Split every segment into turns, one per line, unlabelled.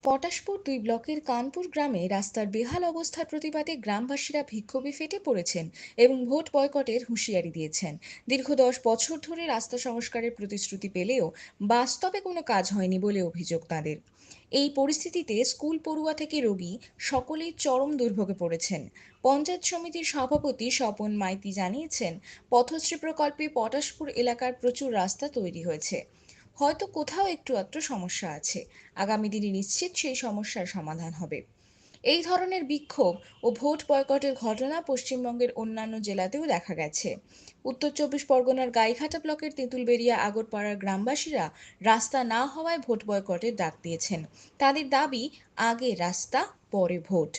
পটাশপুর ২ ব্লকের কানপুর গ্রামে রাস্তার বেহাল অবস্থার প্রতিবাদে গ্রামবাসীরা বিক্ষোভে ফেটে পড়েছেন এবং ভোট বয়কটের হুঁশিয়ারি দিয়েছেন। দীর্ঘ ১০ বছর ধরে রাস্তা সংস্কারের প্রতিশ্রুতি পেলেও বাস্তবে কোনো কাজ হয়নি বলে অভিযোগ তাদের। এই পরিস্থিতিতে স্কুল পড়ুয়া থেকে রোগী সকলেই চরম দুর্ভোগে পড়েছেন। পঞ্চায়েত সমিতির সভাপতি স্বপন মাইতি জানিয়েছেন, পথশ্রী প্রকল্পে পটাশপুর এলাকার প্রচুর রাস্তা তৈরি হয়েছে, হয়তো কোথাও একটু আধটু সমস্যা আছে। আগামী দিনে নিশ্চিত সেই সমস্যার সমাধান হবে। এই ধরনের বিক্ষোভ ও ভোট বয়কটের ঘটনা পশ্চিমবঙ্গের অন্যান্য জেলাতেও দেখা গেছে। উত্তর ২৪ পরগনার গাইঘাটা ব্লকের তেঁতুলবেড়িয়া আগরপাড়ার গ্রামবাসীরা রাস্তা না হওয়ায় ভোট বয়কটের ডাক দিয়েছেন। তাদের দাবি, আগে রাস্তা পরে ভোট।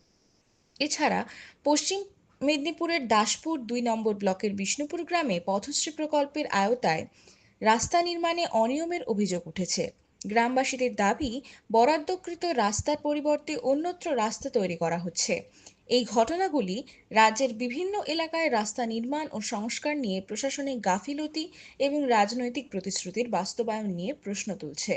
এছাড়া পশ্চিম মেদিনীপুরের দাসপুর ২ নম্বর ব্লকের বিষ্ণুপুর গ্রামে পথশ্রী প্রকল্পের আওতায় রাস্তা নির্মাণে অনিয়মের অভিযোগ উঠেছে। গ্রামবাসীদের দাবি, বরাদ্দকৃত রাস্তার পরিবর্তে অন্যত্র রাস্তা তৈরি করা হচ্ছে। এই ঘটনাগুলি রাজ্যের বিভিন্ন এলাকায় রাস্তা নির্মাণ ও সংস্কার নিয়ে প্রশাসনিক গাফিলতি এবং রাজনৈতিক প্রতিশ্রুতির বাস্তবায়ন নিয়ে প্রশ্ন তুলছে।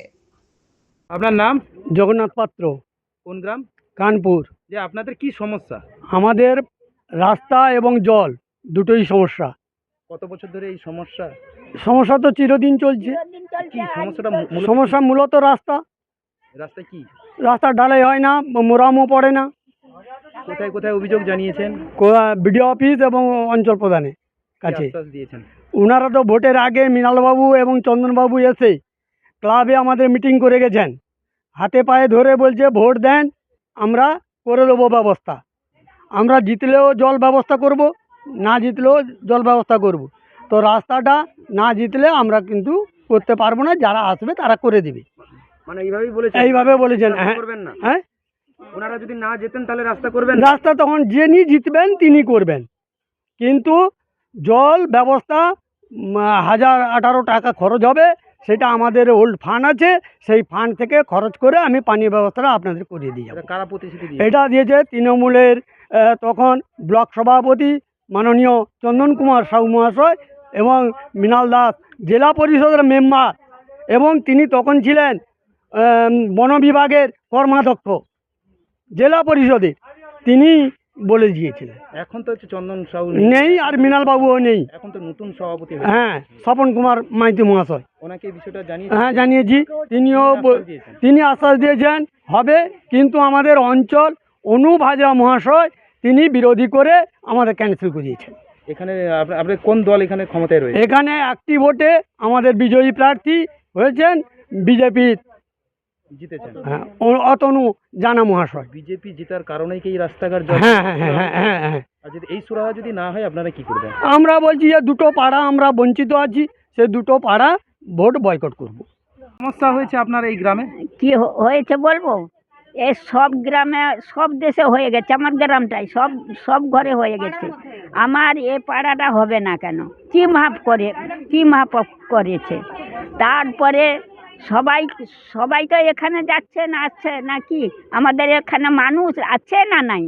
আপনার নাম?
জগন্নাথ পাত্র,
কোন গ্রাম?
কানপুর।
যে আপনাদের কি সমস্যা?
আমাদের রাস্তা এবং জল দুটোই সমস্যা।
কত বছর ধরে এই সমস্যা?
সমস্যা তো চিরদিন চলছে।
কি সমস্যাটা?
সমস্যা মূলত রাস্তা।
রাস্তা কি?
রাস্তা ঢালাই হয় না, মোরামও পড়ে না।
কোথায় কোথায় অভিযোগ জানিয়েছেন?
বিডিও অফিস এবং অঞ্চল প্রধানের
কি
কাছে।
আশ্বাস দিয়েছেন?
ওনারা তো ভোটের আগে মৃণালবাবু এবং চন্দনবাবু এসে ক্লাবে আমাদের মিটিং করে গেছেন, হাতে পায়ে ধরে বলছে ভোট দেন, আমরা করে দেবো ব্যবস্থা। আমরা জিতলেও জল ব্যবস্থা করব, না জিতলেও জল ব্যবস্থা করব। তো রাস্তাটা না জিতলে আমরা কিন্তু করতে পারবো না, যারা আসবে তারা করে দিবে।
মানে এইভাবেই বলেছেন?
এইভাবে বলেছেন।
রাস্তা
হ্যাঁ
করবেন না?
হ্যাঁ,
ওনারা যদি না যেতেন তাহলে রাস্তা করবেন না?
রাস্তা তখন যিনি জিতবেন তিনি করবেন, কিন্তু জল ব্যবস্থা ১,০১৮ টাকা খরচ হবে। সেটা আমাদের ওল্ড ফান্ড আছে, সেই ফান্ড থেকে খরচ করে আমি পানীয় ব্যবস্থাটা আপনাদের করিয়ে দিয়ে
এটা
যাবো।
কারা প্রতিশ্রুতি দিয়েছে?
এটা দিয়েছে তৃণমূলের তখন ব্লক সভাপতি মাননীয় চন্দন কুমার সাহু মহাশয় এবং মৃণাল দাস জেলা পরিষদের মেম্বার, এবং তিনি তখন ছিলেন বন বিভাগের কর্মাধ্যক্ষ জেলা পরিষদে, তিনি বলে দিয়েছিলেন।
এখন তো হচ্ছে চন্দন সাহু
নেই, আর মৃণালবাবুও নেই।
এখন তো নতুন সভাপতি হয়েছে।
হ্যাঁ, স্বপন কুমার মাইতি মহাশয়।
ওনাকে এই বিষয়টা জানিয়ে
হ্যাঁ জানিয়েছি, তিনি আশ্বাস দিয়েছেন হবে, কিন্তু আমাদের অঞ্চল অনুপ হাজরা মহাশয় তিনি বিরোধী করে আমাদের ক্যান্সেল করিয়েছেন।
এখানে আপনাদের কোন দল এখানে ক্ষমতায় রয়েছে?
এখানে একটি ভোটে আমাদের বিজয়ী প্রার্থী হয়েছেন বিজেপির
জিতেছেন?
অতনু জানা মহাশয়।
বিজেপি জেতার কারণেই কি এই রাস্তাঘাট জল?
হ্যাঁ হ্যাঁ হ্যাঁ হ্যাঁ হ্যাঁ হ্যাঁ।
আর যদি এই সুরাহা যদি না হয় আপনারা কি করবেন?
আমরা বলছি যে দুটো পাড়া আমরা বঞ্চিত আছি, সে দুটো পাড়া ভোট বয়কট করব।
সমস্যা হয়েছে আপনার এই গ্রামে?
কি হয়েছে বলবো? এই সব গ্রামে সব দেশে হয়ে গেছে, আমার গ্রামটাই সব সব ঘরে হয়ে গেছে। আমার এ পাড়াটা হবে না কেন? কি মাপ করেছে? তারপরে সবাই সবাই তো এখানে যাচ্ছে না, আসছে নাকি? আমাদের এখানে মানুষ আছে না নাই?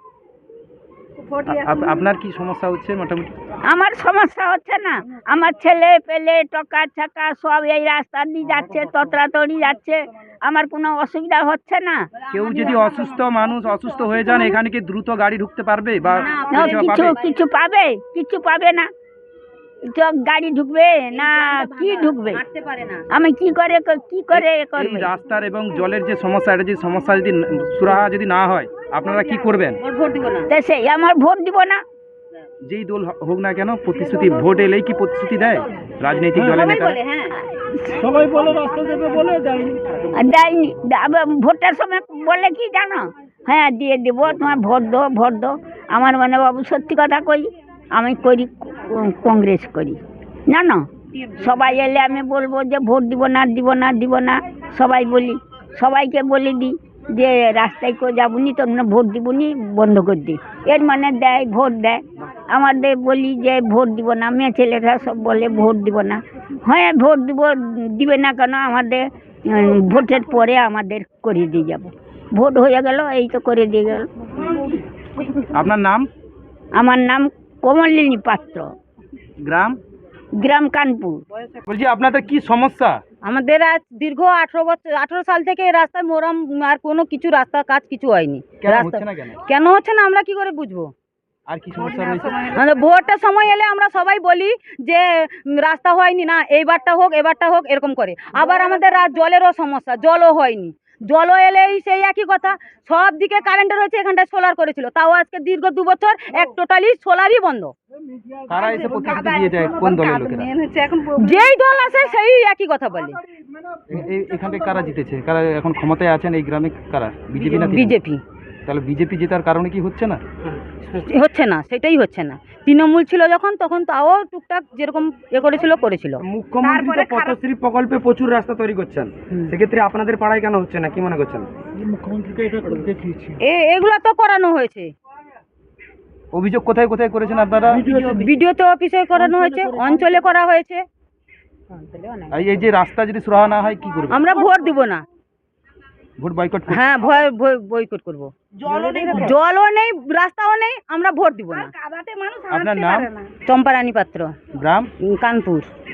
আপনার কি সমস্যা হচ্ছে মোটামুটি?
আমার সমস্যা হচ্ছে না, আমার ছেলে পেলে টকা ছাকা সব এই রাস্তা দিয়ে যাচ্ছে, ততড়াতড়ি যাচ্ছে, আমার কোনো অসুবিধা হচ্ছে না।
কেউ যদি অসুস্থ মানুষ অসুস্থ হয়ে যান, এখানে কি দ্রুত গাড়ি ঢুকতে পারবে বা
কিছু পাবে না? তো গাড়ি ঢুকবে না কি ঢুকবে? আমি কি করে
এই রাস্তার এবং জলের যে সমস্যা, এটা যে সমস্যা যদি সুরাহা যদি না হয় আপনারা কি করবেন?
তা সেই আমার ভোট দিব না।
যেই দল হোক না কেন, প্রতিশ্রুতি ভোট এলেই কি প্রতিশ্রুতি দেয় রাজনৈতিক দলের নেতারা?
সবাই বলে রাস্তা দেবে বলে দেয়নি।
ভোটের সময় বলে কি জানো? হ্যাঁ দিয়ে দেবো, তোমার ভোট দো। আমার মানে বাবু সত্যি কথা কই, আমি করি কংগ্রেস করি, জানো? সবাই এলে আমি বলবো যে ভোট দিব না। সবাইকে বলে দিই যে রাস্তায় কেউ যাবনি, তোমরা ভোট দিবনি, বন্ধ করে দিই। এর মানে ভোট দেয়। আমাদের বলি যে ভোট দিব না, মেয়ে ছেলেরা সব বলে ভোট দিব না। হ্যাঁ ভোট দিবে না কেন? আমাদের ভোটের পরে আমাদের করে দিয়ে যাব। ভোট হয়ে গেল, এই তো করে দিয়ে গেল।
আপনার নাম?
আমার নাম কমলিনী পাত্র,
গ্রাম?
গ্রাম কানপুর।
বলছি আপনাদের কি সমস্যা?
আমাদের আজ দীর্ঘ 18 সাল থেকে এই রাস্তায় মোরাম আর কোনো কিছু রাস্তা কাজ কিছু হয়নি।
কেন
রাস্তা
হচ্ছে না কেন?
কেন হচ্ছে না আমরা কি করে বুঝবো?
আর কি সমস্যা রয়েছে?
আমাদের ভোটের সময় এলে আমরা সবাই বলি যে রাস্তা হয়নি, না এইবারটা হোক এবারটা হোক এরকম করে। আবার আমাদের জলেরও সমস্যা, জলও হয়নি। জলও এলেই সেই একই কথা, সব দিকে কারেন্টের হয়েছে, এখানটায় সোলার করেছিল, তাও আজকে দীর্ঘ 2 বছর এক টোটালি সোলারই বন্ধ।
কারা এসে প্রতিশ্রুতি দিয়ে যায়, কোন দলের লোকেরা?
যেই দল আসে সেই একই কথা বলে।
এখানে কারা জিতেছে, কারা এখন ক্ষমতায় আছেন এই গ্রামে, কারা? বিজেপি না তৃণমূল?
বিজেপি।
তাহলে বিজেপি জেতার কারণে কি হচ্ছে না?
হচ্ছে না, সেটাই হচ্ছে না। তৃণমূল ছিল যখন তখন তাও টুকটাক যেরকম করেছিল।
মুখ্যমন্ত্রী তো পথশ্রী প্রকল্পে প্রচুর রাস্তা তৈরি করছেন, সেক্ষেত্রে আপনাদের পাড়ায় কেন হচ্ছে না, কি মনে করছেন?
এগুলা তো করানো হয়েছে,
অভিযোগ কোথায় কোথায় করেছেন আপনারা?
ভিডিওতে অফিসে করানো হয়েছে, অঞ্চলে করা হয়েছে।
এই যে রাস্তা যদি সুরাহা না হয় কি করবে?
আমরা ভোট দিব না।
ভোট বয়কট করবে?
হ্যাঁ, বয়কট করব। জলও নেই, রাস্তাও নেই, আমরা ভোট দিব না।
আপনার নাম?
চম্পারানী পাত্র,
গ্রাম?
কানপুর।